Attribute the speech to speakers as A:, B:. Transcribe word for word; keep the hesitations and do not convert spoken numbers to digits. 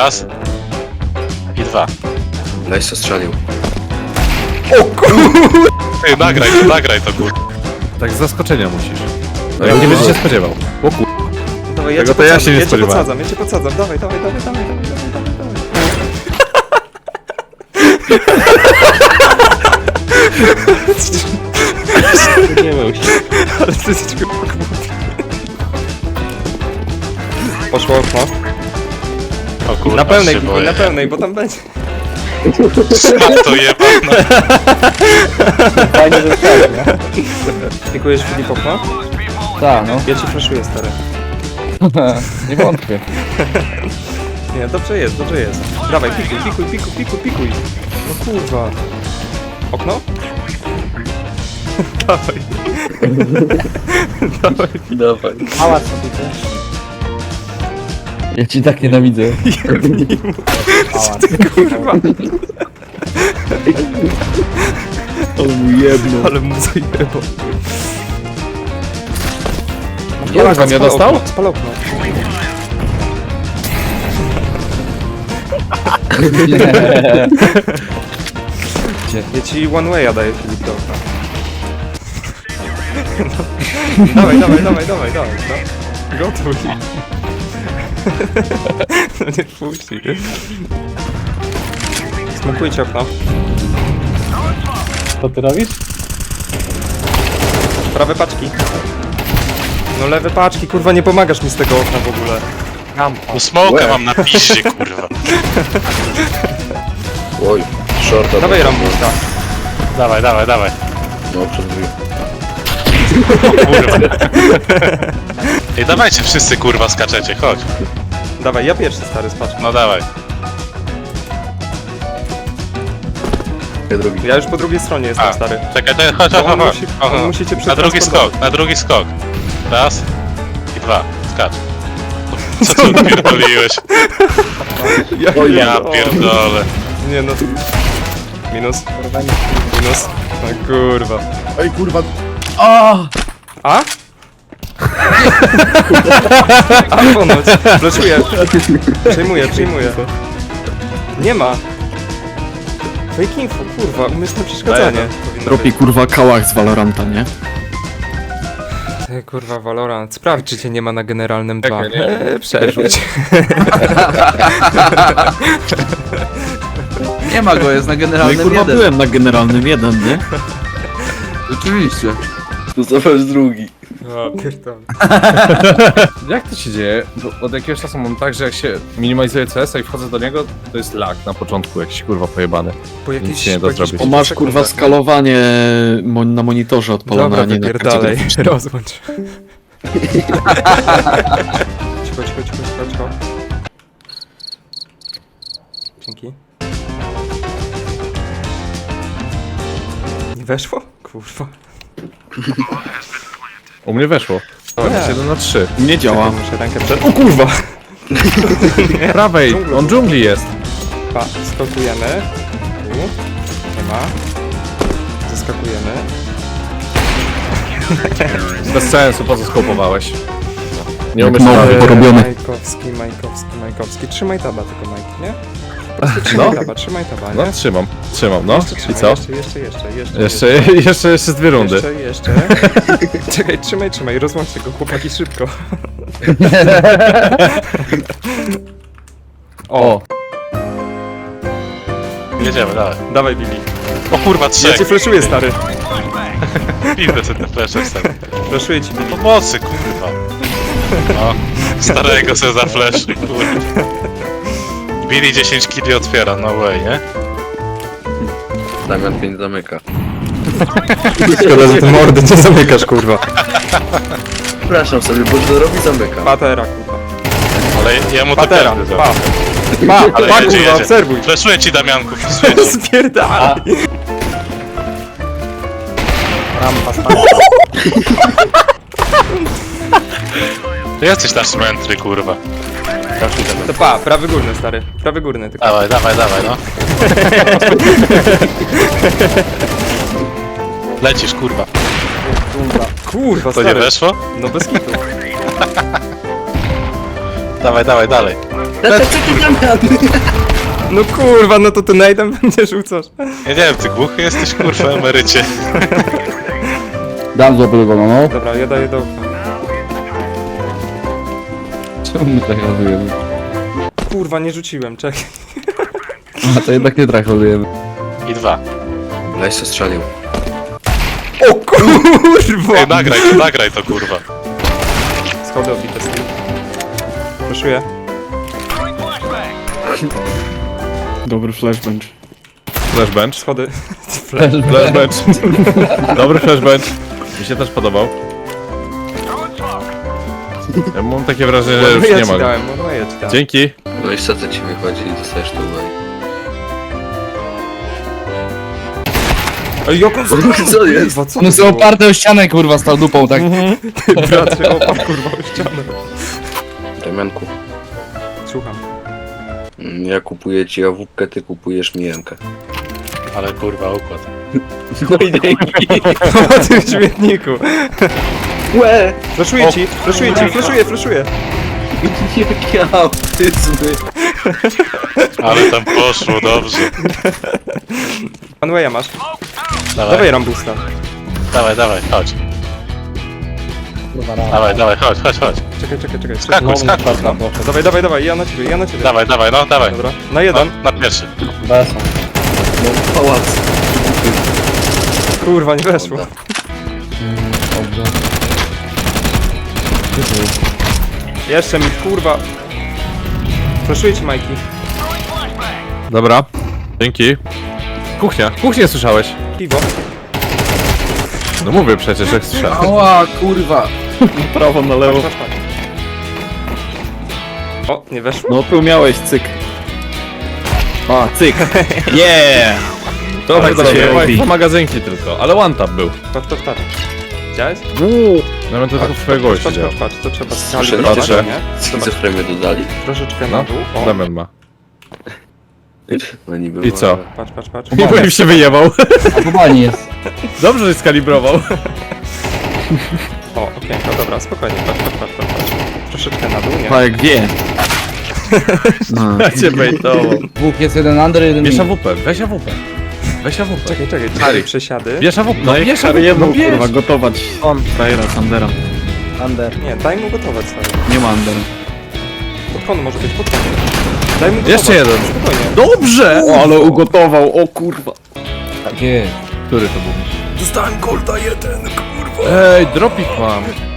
A: Raz. I dwa.
B: Leś co strzelił.
C: O kurwa!
A: Ty, nagraj, nagraj to kur...
D: Tak z zaskoczenia musisz.
B: No
D: Ja
B: ja
D: nie będę
B: dużo.
D: się spodziewał. O kur...
C: Dawaj, ja
D: Tego
C: cię
D: to ja
C: podsadzam,
D: się nie
C: ja cię
D: spodziewałem.
C: podsadzam, ja cię podsadzam, dawaj, dawaj, dawaj, dawaj, dawaj, dawaj, dawaj, dawaj.
D: Nie wiem.
C: Ale ty jesteś kurwa głupi. Poszło okno.
A: O kurwa,
C: Na pełnej,
A: się
C: kupuj,
A: boję.
C: na pełnej, bo tam będzie.
A: To jebana.
E: Fajnie zostało, nie?
C: Dziękujesz Filip okno?
E: Tak, no.
C: Ja ci flashuję, stary.
E: Nie wątpię.
C: Nie, dobrze jest, dobrze jest. Dawaj, pikuj, pikuj, pikuj, pikuj, pikuj. No kurwa. Okno? Dawaj. Dawaj.
B: Dawaj.
E: Pałac sobie ty. Ja ci tak nienawidzę. Pałac.
C: Kurwa.
B: O mój jedno.
C: Ale mu zajebał.
D: Jak on nie
C: Spal
D: dostał?
C: okno, spal okno. Ja ci one way'a daję, Filip, do okna. No. Dawaj, dawaj, dawaj, dawaj, dawaj, no. Gotuj. No nie puści. Smokujcie okno.
E: Co ty robisz?
C: Prawe paczki. No lewe paczki, kurwa, nie pomagasz mi z tego okna w ogóle.
A: No smoka mam na piździe, kurwa.
B: Oj, shorta.
C: Dawaj Rambusta.
A: Dawaj, dawaj, dawaj.
B: No, przed drzwi.
A: O kurwa. Ej, dawajcie wszyscy, kurwa, skaczecie, chodź.
C: Dawaj, ja pierwszy, stary, z paczki.
A: No dawaj.
B: Ja drugi.
C: Ja już po drugiej stronie jestem,
A: A,
C: stary.
A: czekaj, to chodź,
C: Bo
A: chodź,
C: on
A: chodź.
C: musi-
A: chodź,
C: on
A: chodź.
C: musi cię
A: Na drugi
C: przetransportować.
A: skok, na drugi skok. Raz i dwa. Skacz. Co ty odpierdoliłeś?
C: Ja,
A: Ja pierdolę.
C: Nie no. Minus. Minus. No kurwa.
B: Ej, kurwa.
C: A? A ponoć. Flashuję. Przejmuję, przejmuję. Nie ma. Fake info, kurwa, umysłne przeszkadzanie. powinno
F: Robi
C: być.
F: kurwa kałach z Valoranta, nie?
C: Ty, kurwa, Valorant. Sprawdź, czy cię nie ma na generalnym dwa.
D: Czekaj, nie.
C: Eee, przerzuć.
G: Nie ma go, jest na
F: No i
G: generalnym
F: kurwa
G: jeden.
F: byłem na generalnym jeden, nie?
G: Rzeczywiście.
B: Tu zobacz drugi.
C: O, pierdolę.
D: Jak to się dzieje? Bo od jakiegoś czasu mam tak, że jak się minimalizuje C S a i wchodzę do niego, to jest lag na początku jakiś kurwa pojebany.
C: Po
D: Nic
C: jakiejś,
D: się nie da
C: po jakichś
D: zrobić.
F: Bo masz kurwa
C: sekundach.
F: skalowanie mo na monitorze odpalone,
C: Dobra,
F: a nie na karcie
C: wypierdalej.
F: graficznej.
C: Rozłącz. Cicho, cicho, cicho, cicho, cicho. Dzięki. Nie weszło? Kurwa.
D: U mnie weszło. O, jest jeden na trzy.
F: Nie działa.
C: Muszę rękę przed... O kurwa!
D: Prawej,
C: Dżungla.
D: on dżungli jest.
C: Pa, skakujemy. Tu. Nie ma. Zaskakujemy.
D: Bez sensu, po co skopowałeś? Nie
F: Jak
D: umiesz
F: nowy,
D: prawie.
F: bo- Porobiony.
C: Majkowski, Majkowski, Majkowski. Trzymaj taba tylko, Majki, nie? Po prostu trzymaj
D: No.
C: taba, trzymaj taba,
D: No
C: nie?
D: trzymam, trzymam, no.
C: Jeszcze
D: I
C: trzymaj,
D: co?
C: Jeszcze, jeszcze, jeszcze, jeszcze.
D: Jeszcze, jeszcze, jeszcze z dwie rundy.
C: Jeszcze, jeszcze. Czekaj, trzymaj, trzymaj, rozłączcie go, chłopaki, szybko. O,
A: Jedziemy, dawaj.
C: dawaj Billy.
A: O kurwa,
C: Ja
A: trzech.
C: cię flashuję, stary.
A: Piwne sobie te flesze wstawię.
C: Flashuję ci, Billy.
A: Pomocy, kurwa. No, starego se za flash, kurwa. Billy dziesięć kili otwiera, no way, nie?
B: Damian pięć zamyka.
C: Szkoda, że ty mordy nie zamykasz, kurwa.
B: Przepraszam sobie, bo to robi zamyka.
C: Patera, kurwa.
A: Ale jemu to
C: Patera,
A: każdy
C: pa.
A: zrobi.
C: Pa,
A: Ale
C: pa,
A: jedzie,
C: kurwa,
A: jedzie.
C: obserwuj.
A: Flashuję ci, Damianku, flashuję ci.
C: Spierdalaj.
E: Rampa spadła.
A: Ty jesteś nasz mętry, kurwa.
C: To pa, prawy górny, stary. Prawy górny tylko.
A: Dawaj, dawaj, dawaj, no. Lecisz, kurwa.
C: Kurwa,
A: To
C: stary.
A: nie weszło?
C: No bez kitu.
A: Dawaj, dawaj, dalej.
C: No kurwa, no to ty najdem będzie rzucasz.
A: Ja nie wiem, ty głuchy jesteś, kurwa, emerycie.
E: Dam złapywaną, no.
C: Dobra, ja daję do okna.
E: Czemu my tak rozujemy?
C: Kurwa, nie rzuciłem, czekaj.
E: A to jednak nie trakolujemy.
A: I dwa.
B: Leś co strzelił.
C: O kurwa!
A: Ej, nagraj, nagraj to, kurwa.
C: Schody obite z tym. Proszuję.
F: Dobry flashbench.
D: Flashbench.
C: Schody.
D: Flashbench. Dobry flashbench. Mi się też podobał. Ja mam takie wrażenie, że już
C: ja
D: nie
C: ci
D: ma. go.
C: dałem, no ja ci dałem.
D: Dzięki.
B: No i co to ci wychodzi i dostajesz tu baj.
C: Ej, jak on
B: Co jest?
C: Kurwa, co
E: One
C: to
E: są
C: było?
E: oparte o ścianę, kurwa, z tą dupą, tak?
C: Brat się oparł, kurwa, o ścianę.
B: Damianku,
C: Słucham.
B: mm, ja kupuję ci awupkę, ty kupujesz mi jemkę.
A: Ale kurwa, układ.
B: No i dzięki.
C: O tym śmietniku.
B: Łe!
C: Flaszuję ci, flaszuję ci, flaszuję, flaszuję.
B: Jakie autyzmy.
A: Ale tam poszło, dobrze.
C: Manwaya masz.
A: Dawaj,
C: Dawaj rambusta.
A: dawaj, dawaj, chodź. Dawaj, dawaj, chodź, chodź, chodź.
C: Czekaj, czekaj, czekaj.
A: Skakuj, skakuj,
C: No. Dawaj, dawaj, dawaj, ja na ciebie, ja na ciebie.
A: Dawaj, dawaj, no, dawaj.
C: Dobra, na jeden.
A: Na, na pierwszy.
B: No pałac.
C: Kurwa, nie weszło. Jeszcze mi, kurwa. Flaszuję ci, Majki.
D: Dobra. Dzięki. Kuchnia. Kuchnię słyszałeś.
C: Piwo.
D: No mówię przecież, jak słyszałem.
G: Ała, kurwa.
F: Prawo na lewo.
C: Patrz, patrz, patrz. O, nie weszło.
F: No tu miałeś cyk. A, cyk. Yeah! To
D: Tak
F: tak
D: sobie,
F: się robi.
D: dwa magazynki tylko, ale one tap był.
C: Patrz, patrz, patrz. Widziałeś?
D: No to tylko w twojego
C: Patrz, patrz,
D: siedział.
C: patrz, patrz, to trzeba
B: Słyszę,
C: skalibrować,
D: patrzę.
C: nie?
B: Schizofrenię dodali.
C: Troszeczkę na
D: No,
C: dół. O,
D: Damian ma.
B: No niby.
D: I co?
C: patrz, patrz, patrz.
D: Nie bo im się wyjebał.
E: A kubani jest.
D: Dobrze, że skalibrował.
C: O, okienko, dobra, spokojnie, patrz, patrz, patrz, patrz, patrz. Troszeczkę na dół, nie?
F: Pajek wie. No.
D: Ja cię bejtował.
E: Dwóch jest jeden under, jeden
D: Bierz
E: mid.
D: A W P, weź A W P. Weź A W P.
C: Czekaj, czekaj, czekaj, przesiady.
D: Bierz A W P, no bierz A W P,
F: Harry jedną,
D: no bierz.
F: kurwa, gotować. On, Frajera, Sandera.
E: Under.
C: Nie, daj mu gotować, stary.
F: Nie ma Under.
C: Pod kąt może być, pod kąt. Daj mu gotować.
D: Jeszcze jeden.
C: Spokojnie.
F: Dobrze! O, ale ugotował, o kurwa.
E: Tak jest.
D: Który to był?
C: Dostałem golda jeden, kurwa.
D: Ej, dropik mam.